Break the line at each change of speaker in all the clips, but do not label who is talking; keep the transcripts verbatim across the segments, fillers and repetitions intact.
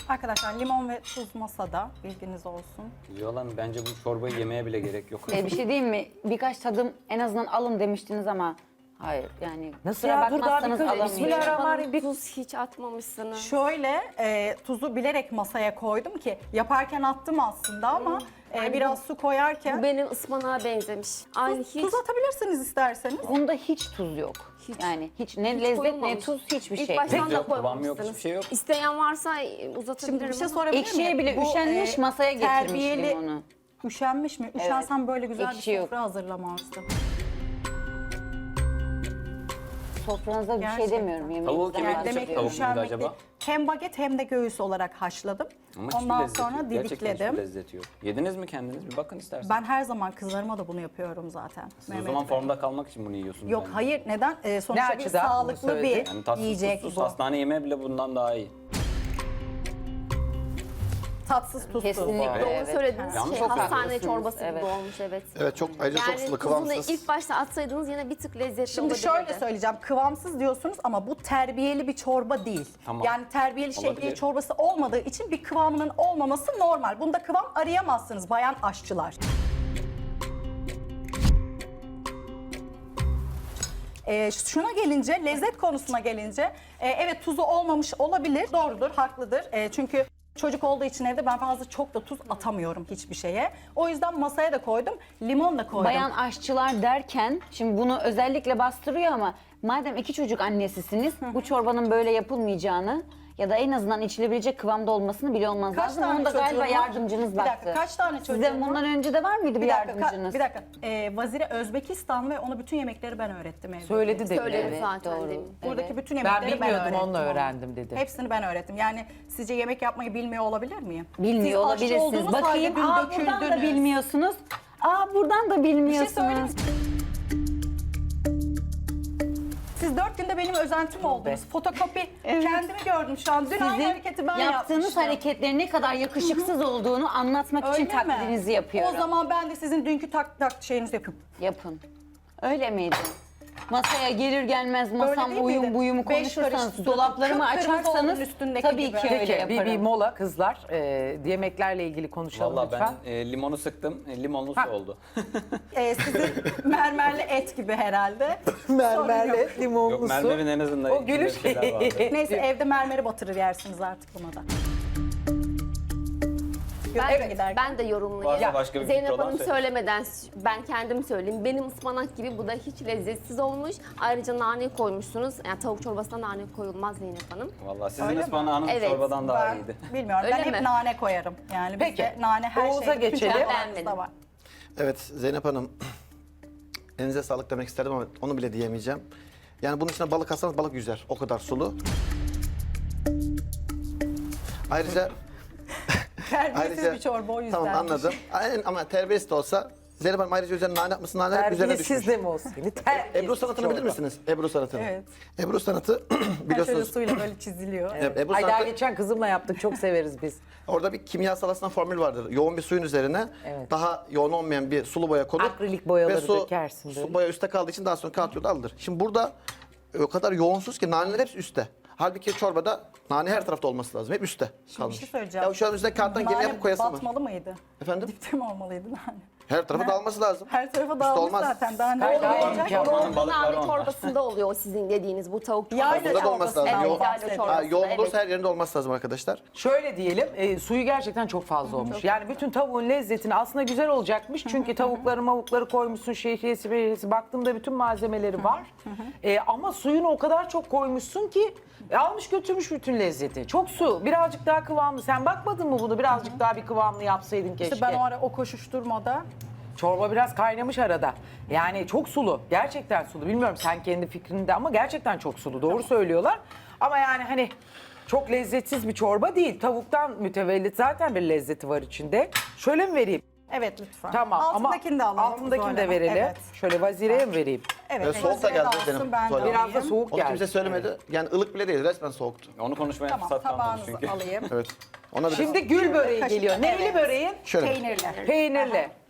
Arkadaşlar limon ve tuz masada, bilginiz olsun.
Yolan bence bu çorbayı yemeye bile gerek yok.
E, bir şey diyeyim mi? Birkaç tadım en azından alın demiştiniz ama hayır yani.
Nasıl
kusura
ya? Dur daha bir
bakmazsanız
kız-
alamayacağım.
Bismillahirrahmanirrahim. Bir...
Tuz hiç atmamışsınız.
Şöyle e, tuzu bilerek masaya koydum ki yaparken attım aslında ama e,
Yani
biraz
bu-
su koyarken
Bu benim ıspanağa benzemiş. Aynı
tuz,
hiç.
tuz atabilirsiniz isterseniz.
Bunda hiç tuz yok.
Hiç.
Yani hiç ne
Hiç
lezzet ne
koyulmamış.
tuz hiçbir
İlk
şey.
baştan
Peki.
da
Yok, kıvam yok,
koymamışsınız.
hiçbir şey yok.
İsteyen varsa e, uzatabilirim.
Şimdi bir şey
ama-
sorabilir miyim?
Ekşiye bile üşenmiş, masaya getirmiş
terbiyeli-
limonu.
Üşenmiş mi? Üşensem böyle güzel
Ekşi
bir
yok.
sofra hazırlamazdım.
Sofranıza bir
Gerçekten.
şey demiyorum.
Tavuğu
Yemeğinizden
kim
Yani
yapacak?
demek ki
Tavuk muydu
üşenmek
acaba?
değil. Hem baget hem de göğüs olarak haşladım.
Ama hiçbir
Ondan
lezzeti
sonra
yok. Gerçekten hiçbir
didikledim.
lezzeti yok. Yediniz mi kendiniz? Bir bakın isterseniz.
Ben her zaman kızlarıma da bunu yapıyorum zaten.
Siz o
Mehmet
zaman
Bey.
formda kalmak için bunu yiyorsunuz.
Yok
bence.
hayır neden? Ee, sonuçta
Ne
bir
açıdan bunu
sağlıklı
söyledin?
bir
Yani tatsız
yiyecek
tuzsuz
bu.
hastane yemeği bile bundan daha iyi.
Tatsız tuzsuz.
Kesinlikle.
Doğru
Evet.
söylediğiniz
Yalnız
şey
çok
hastane
haklısınız,
çorbası
evet.
gibi olmuş evet.
Evet çok ayrıca çok
Yani
sulu
tuzunu
kıvamsız.
ilk başta atsaydınız yine bir tık lezzetli
Şimdi
olabilirdi.
şöyle söyleyeceğim. Kıvamsız diyorsunuz ama bu terbiyeli bir çorba değil.
Tamam.
Yani terbiyeli şehriye
Olabilir.
çorbası olmadığı için bir kıvamının olmaması normal. Bunda kıvam arayamazsınız bayan aşçılar. Ee, şuna gelince, lezzet konusuna gelince, e, evet tuzu olmamış olabilir, doğrudur, haklıdır. E, çünkü çocuk olduğu için evde ben fazla çok da tuz atamıyorum hiçbir şeye. O yüzden masaya da koydum, limon da koydum.
Bayan aşçılar derken şimdi bunu özellikle bastırıyor ama madem iki çocuk annesisiniz bu çorbanın böyle yapılmayacağını ya da en azından içilebilecek kıvamda olmasını biliyor olmanız
Kaç
lazım.
tane
Onu da galiba
çocuğun var?
yardımcınız
Bir
baktı.
dakika, kaç tane çocuğun
Sizde
var?
bundan önce de var mıydı bir,
Bir dakika, ka-
yardımcınız?
bir dakika. Ee, Vazire Özbekistan ve ona bütün yemekleri ben öğrettim evde.
Söyledi de.
Söyledi
Evet,
zaten
doğru.
demin.
Buradaki
Evet.
bütün
Ben
yemekleri ben,
bilmiyordum
öğrettim.
onunla
ona.
öğrendim dedi.
Hepsini ben öğrettim. Yani sizce yemek yapmayı bilmiyor olabilir miyim?
Bilmiyor
Siz aşçı
olabilirsiniz.
olduğunuz halde
Bakayım,
dün
aa buradan da
döküldünüz.
bilmiyorsunuz. Aa buradan da
Bir şey
bilmiyorsunuz.
söyleyeyim. Siz dört günde benim özentim oldunuz. Fotokopi kendimi gördüm şu an. Dün aynı
Sizin
hareketi ben
yaptığınız
yapmıştım.
hareketlerin ne kadar yakışıksız olduğunu anlatmak için
Öyle mi?
taklidinizi yapıyorum.
O zaman ben de sizin dünkü tak tak şeyinizi yapayım.
Yapın. Öyle miydi? Masaya gelir gelmez
Öyle
masam
değil
uyum
miydi?
buyumu
Beş karış
konuşursanız,
su,
dolaplarımı
kıpkırmızı
açarsanız
olduğun üstündeki
tabii
gibi.
ki öyle
Peki
yaparım.
bir, bir mola kızlar. Ee, yemeklerle ilgili konuşalım
Valla
lütfen.
ben e, limonu sıktım. E, limonlu
Ha.
su oldu.
Ee, sizin mermerli et gibi herhalde. Sorun
Mermerle
yok.
limonlu
Yok
su.
mermerin en azından
O
içinde bir
gülüş.
şeyler vardı.
Neyse evde mermeri batırır yersiniz artık buna da.
Ben,
Eve
de,
giderken.
ben de yorumlayayım.
Varsa başka bir fikri
Zeynep
olan
Hanım
söylesin.
söylemeden ben kendim söyleyeyim. Benim ıspanak gibi bu da hiç lezzetsiz olmuş. Ayrıca nane koymuşsunuz. Yani tavuk çorbasına nane koyulmaz Zeynep Hanım.
Valla sizin
Öyle mi?
ıspanağınız
Evet,
çorbadan daha
Ben
iyiydi.
bilmiyorum.
Öyle
ben hep
mi?
nane koyarım. Yani
Peki,
bizde nane her
Oğuz'a
şeyde, bütün
geçelim.
çorbalarımızda
Beğenmedim.
var.
Evet Zeynep Hanım, elinize sağlık demek isterdim ama onu bile diyemeyeceğim. Yani bunun içine balık atsanız balık yüzer. O kadar sulu. Ayrıca
Terbiyesiz
ayrıca
bir çorba o yüzden.
tamam anladım. Aynen, ama terbiyesiz de olsa Zeynep Hanım ayrıca üzerine nane yapmışsın. Nane hep üzerine düşmüş.
Terbiyesiz de mi olsun? Terbiyesiz
Ebru sanatını bilir
çorba.
misiniz? Ebru sanatını.
Evet.
Ebru sanatı
Her şöyle
biliyorsunuz.
suyla böyle çiziliyor.
Evet, Ebru
Ay daha
sanatı,
geçen kızımla yaptık. Çok severiz biz.
orada bir kimyasal aslında formül vardır. Yoğun bir suyun üzerine
Evet.
daha yoğun olmayan bir sulu boya konur.
Akrilik boyaları
ve su,
dökersin böyle.
su boya üstte kaldığı için daha sonra kağıt yolda alınır. Şimdi burada o kadar yoğunsuz ki naneler hepsi üstte. Halbuki çorbada nane her tarafta olması lazım. Hep üstte kalmış.
Bir şey söyleyeceğim.
Ya şu an üstte kağıttan gemi
Nane
yapıp koyasın mı?
batmalı mıydı?
Efendim?
Dipte mi olmalıydı nane?
Her tarafa dağılması lazım.
Her tarafa
Üstte
dağılmış
olmaz.
zaten. Daha ne
Hayır, hayır,
olacak?
imkan-
Yoğun
balıkları
nane
onlar.
çorbasında oluyor o sizin dediğiniz bu tavuk
Yayla
çorbası.
Bunda da olması lazım.
çorbasından
Yoğun,
bahsediyorum.
çorbası.
ha, yoğun
Evet.
olursa her yerinde olması lazım arkadaşlar.
Şöyle diyelim, e, suyu gerçekten çok fazla olmuş. Yani bütün tavuğun lezzetini aslında güzel olacakmış. Çünkü tavukları mavukları koymuşsun, şehriyesi, behriyesi. Baktığımda bütün malzemeleri var. E, ama suyunu o kadar çok koymuşsun ki e, almış götürmüş bütün lezzeti. Çok su, birazcık daha kıvamlı. Sen bakmadın mı bunu? Birazcık daha bir kıvamlı yapsaydın keşke.
İşte ben o ara o koşuşturmada
Çorba biraz kaynamış arada. Yani çok sulu. Gerçekten sulu. Bilmiyorum sen kendi fikrinde ama gerçekten çok sulu. Doğru söylüyorlar. Ama yani hani çok lezzetsiz bir çorba değil. Tavuktan mütevellit zaten bir lezzeti var içinde. Şöyle mi vereyim?
evet lütfen.
Tamam
Altındakini de
ama
alalım.
altındakini
Zuhal
de
Hanım.
verelim.
Evet.
Şöyle vazireye mi vereyim?
Evet.
Ve soğuk da
Vazire
geldi
alsın,
benim
ben de
Zuhal Hanım.
Biraz da
alayım.
soğuk
Onu
geldi.
kimse söylemedi. Yani ılık bile değil, resmen soğuktu.
Onu konuşmaya
Tamam
fırsat kalmadı
tabağınızı
çünkü.
alayım.
Evet. Ona bir
Şimdi gül böreği
Kaşık-
geliyor. Neyli
Evet.
böreğin?
şöyle.
Peynirli.
Peynirli.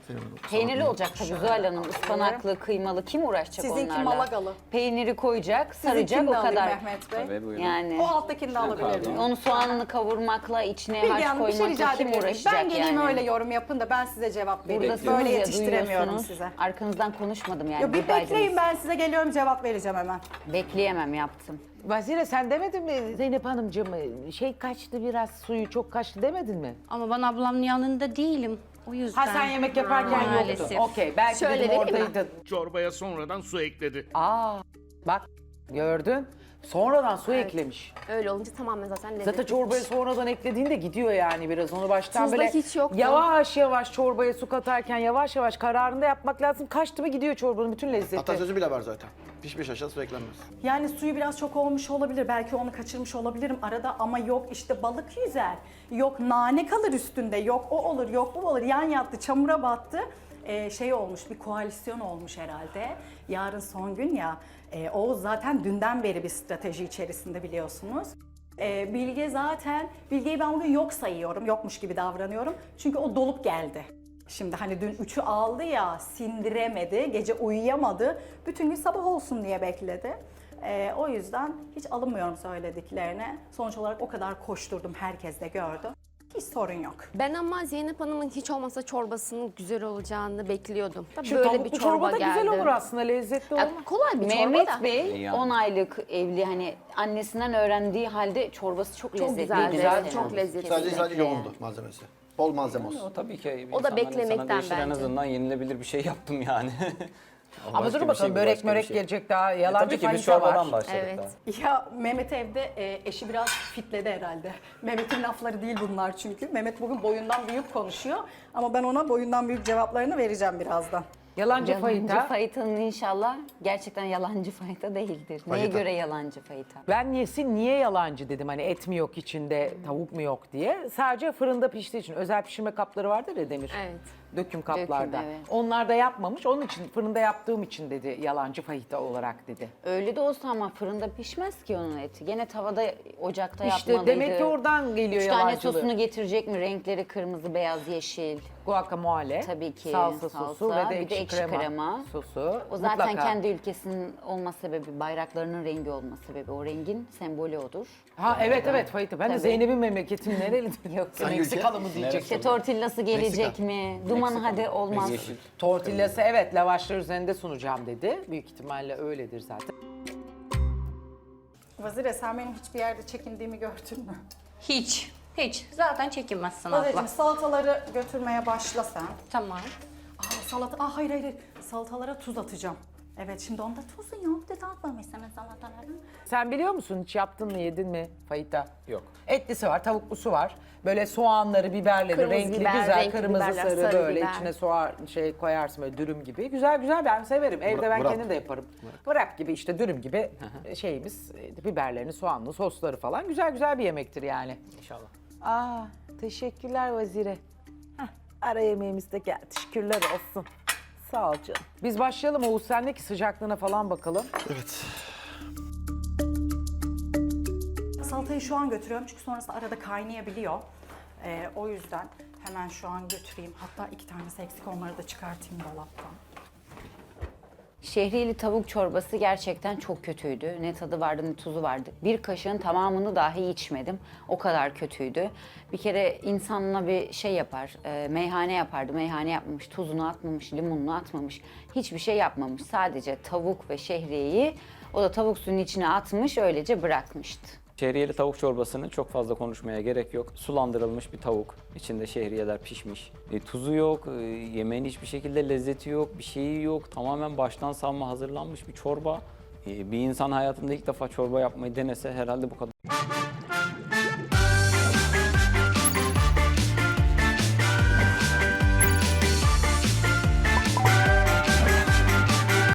Peynirli olacak tabii Zuhal Hanım. Ispanaklı, kıymalı kim uğraşacak
Sizinki
onlarla?
Malagalı.
Peyniri koyacak, saracak
Sizinkini
o
de alayım
kadar.
Mehmet Bey.
Tabii buyurun.
Yani
O alttakini de alabilir miyim?
onu soğanını kavurmakla, içine
Bilge
harç
Hanım bir şey
koymakla
rica
kim
edebilir miyim?
uğraşacak
Ben geleyim
yani?
öyle yorum yapın da ben size cevap vereyim.
Buradasınız
Böyle
ya,
yetiştiremiyorum
duyuyorsunuz.
size.
Arkanızdan konuşmadım yani.
Ya bir
buradaydınız.
bekleyin, ben size geliyorum, cevap vereceğim hemen.
Bekleyemem, yaptım.
Vazire sen demedin mi Zeynep Hanımcığım şey kaçtı biraz suyu çok kaçtı demedin mi?
Ama ben ablamın yanında değilim. O yüzden.
Ha sen yemek yaparken
Maalesef.
yoktun. Okey belki
Şöyle
dedim
vereyim mi?
oradaydın.
Çorbaya sonradan su ekledi.
Aa bak gördün. Sonradan su eklemiş.
Öyle olunca tamamen zaten lezzetli.
Zaten çorbaya sonradan eklediğinde gidiyor yani biraz. Onu baştan
Tuzda
böyle
hiç yoktu.
yavaş yavaş çorbaya su katarken yavaş yavaş kararında yapmak lazım. Kaçtı mı gidiyor çorbanın bütün lezzeti.
Atasözü bile var zaten. Pişmiş aşağı su eklenmez.
Yani suyu biraz çok olmuş olabilir. Belki onu kaçırmış olabilirim arada ama yok işte balık yüzer. Yok nane kalır üstünde. Yok o olur, yok bu olur. Yan yattı, çamura battı. Ee, şey olmuş, bir koalisyon olmuş herhalde. Yarın son gün ya. Ee, o zaten dünden beri bir strateji içerisinde biliyorsunuz. Ee, Bilge zaten, Bilge'yi ben bugün yok sayıyorum. Yokmuş gibi davranıyorum. Çünkü o dolup geldi. Şimdi hani dün üçü aldı ya, sindiremedi, gece uyuyamadı. Bütün gün sabah olsun diye bekledi. Ee, o yüzden hiç alınmıyorum söylediklerine. Sonuç olarak o kadar koşturdum, herkes de gördü. Hiç sorun yok.
Ben ama Zeynep Hanım'ın hiç olmasa çorbasının güzel olacağını bekliyordum. Tabii
Şu
böyle
tavuklu
bir çorba
çorba da
geldi.
güzel olur aslında lezzetli olur.
Ya, kolay bir
Mehmet
çorba da.
Bey
Yani.
on aylık evli, hani annesinden öğrendiği halde çorbası çok,
Çok
lezzetli.
güzeldi,
güzel.
çok lezzetli.
Sadece sadece
Kesinlikle.
yoğundu malzemesi. Bol malzeme olsun.
O tabii ki.
O da
insanların
beklemekten
insana değişir. En
bence.
azından yenilebilir bir şey yaptım yani.
Ama
Başka
dur
bir
bakalım
şey bu,
börek
başka bir
mörek
şey.
gelecek daha
E,
yalancı
tabii ki biz
fahişe
çorbadan
var.
başladık
Evet.
daha.
Ya Mehmet evde e, eşi biraz fitledi herhalde. Mehmet'in lafları değil bunlar çünkü. Mehmet bugün boyundan büyük konuşuyor. Ama ben ona boyundan büyük cevaplarını vereceğim birazdan.
Yalancı
Yalancı
fayita.
fayitanın inşallah gerçekten yalancı fayita değildir. Neye
Fayita.
göre yalancı fayita?
Ben niyesi niye yalancı dedim hani et mi yok içinde tavuk mu yok diye. Sadece fırında piştiği için özel pişirme kapları vardır ya Demir.
Evet.
Döküm kaplarda.
evet.
Onlar da yapmamış. Onun için fırında yaptığım için dedi yalancı fahita olarak dedi.
Öyle de olsa ama fırında pişmez ki onun eti. Gene tavada, ocakta
İşte
yapmalıydı.
demek ki oradan geliyor
Üç tane
yalancılığı.
sosunu getirecek mi? Renkleri kırmızı, beyaz, yeşil.
Guacamole,
Tabii ki,
salsa
salsa,
sosu ve de
bir de
ekşi,
ekşi
krema,
krema.
sosu.
O zaten
Mutlaka.
kendi ülkesinin olma sebebi, bayraklarının rengi olma sebebi. O rengin sembolü odur.
Ha evet evet fahita. Ben de
Tabii.
Zeynep'in memleketinin nereli?
Yok.
Hangi
Meksikalı mı
ülke?
diyecek?
İşte tortillası gelecek
Meksika.
mi? Duman hadi olmaz.
Yeşil.
Tortillası evet lavaşlar üzerinde sunacağım dedi. Büyük ihtimalle öyledir zaten.
Vazire, sen benim hiçbir yerde çekindiğimi gördün mü?
Hiç. Hiç. Zaten çekinmezsin
Vazireciğim,
abla.
salataları götürmeye başla sen.
Tamam.
Aa salata, aa hayır hayır, hayır. Salatalara tuz atacağım. Evet, şimdi onda tuzu yok dedi, atmamışsınız salatalara.
Sen biliyor musun hiç yaptın mı yedin mi fayita?
Yok.
Etlisi var, tavuklusu var. Böyle soğanları, biberleri,
Kırmızı
renkli
biber,
güzel,
renkli
kırmızı
biberler,
sarı,
sarı
böyle
biber.
içine soğan şey koyarsın böyle dürüm gibi. Güzel güzel ben severim. Evde ben
wrap.
kendim de yaparım. Wrap gibi işte dürüm gibi şeyimiz, e, biberlerini, soğanlı, sosları falan güzel güzel bir yemektir yani.
İnşallah.
Aa, teşekkürler Vazire. Heh, ara yemeğimiz de geldi. Şükürler olsun. Sağ ol canım. Biz başlayalım Oğuz sendeki sıcaklığına falan bakalım.
Evet.
Salatayı şu an götürüyorum çünkü sonrasında arada kaynayabiliyor. Ee, o yüzden hemen şu an götüreyim. Hatta iki tanesi eksik, onları da çıkartayım dolaptan.
Şehriyeli tavuk çorbası gerçekten çok kötüydü. Ne tadı vardı ne tuzu vardı. Bir kaşığın tamamını dahi içmedim. O kadar kötüydü. Bir kere insanla bir şey yapar, e, meyhane yapardı. Meyhane yapmamış, tuzunu atmamış, limonunu atmamış. Hiçbir şey yapmamış. Sadece tavuk ve şehriyeyi o da tavuk suyunun içine atmış, öylece bırakmıştı.
Şehriyeli tavuk çorbasını çok fazla konuşmaya gerek yok. Sulandırılmış bir tavuk. İçinde şehriyeler pişmiş. E, tuzu yok, e, yemeğin hiçbir şekilde lezzeti yok, bir şeyi yok. Tamamen baştan savma hazırlanmış bir çorba. E, bir insan hayatında ilk defa çorba yapmayı denese herhalde bu kadar